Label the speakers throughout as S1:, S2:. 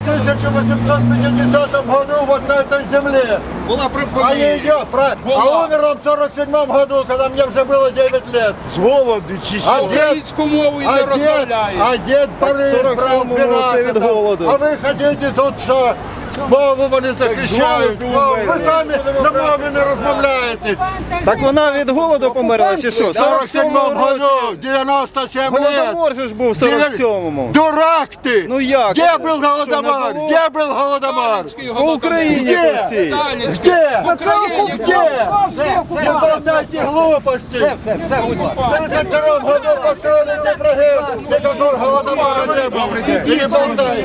S1: В 1850 году вот на этой земле.
S2: Була
S1: А
S2: припинена.
S1: а умер он в 47 году, когда мне уже было 9 лет.
S3: З голоду чи що?
S4: Українську мову і не розмовляє.
S1: А дед Борис брал
S3: 47-му це від
S1: 12.
S3: голоду.
S1: А ви хотите тут що? Мову вони захищають.
S3: голоду
S1: Ви самі на мові не розмовляєте.
S3: Так вона від голоду померла чи що?
S1: В 47 году, 97 лет.
S3: Голодомор же ж був в 47-му.
S1: Дурак ты!
S3: Ну як?
S1: Где
S3: це?
S1: был
S3: Що,
S1: Голодомор?
S3: не було?
S1: Где был Голодомор?
S4: Сталінський
S3: По
S4: голодомор.
S3: Україні
S1: Де?
S3: прості.
S4: Сталінський.
S1: Где?
S4: В Україні
S1: Где? Не болтайте глупости! В 32 году построили Днепрогэс, никакого Голодомора не было. И не болтайте!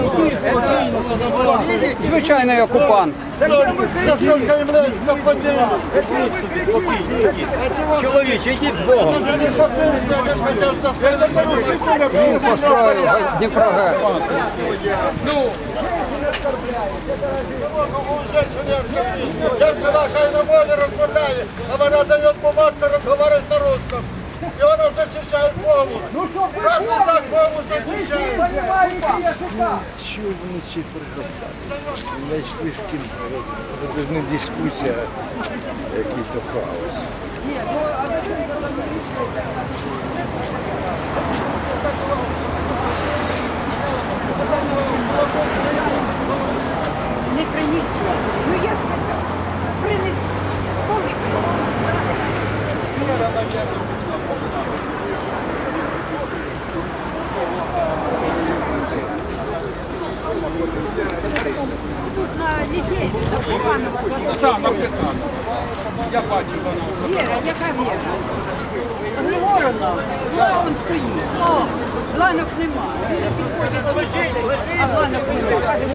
S5: Звичайний окупант.
S1: За сколько им лет заплатили?
S5: Чоловіче, йдіть з Богом.
S1: Они хотят составить.
S5: Построїв Дніпрогес.
S1: Я сказал, хай на мове размовляет, а она дает бумажку разговаривать на русском. И она защищает мову. Разве так мову защищает?
S3: Що вони ще приготували? Знайшли з ким. Це ж не дискусія, який то хаос.
S6: Не приніс. Ну як це так? Приніс. Коли приніс? На людей. Степанова.
S4: Там написано. Я бачу воно.
S6: Віра, яка Віра? Ворона. Он стоїть. О, ланок нема. А ланок нема.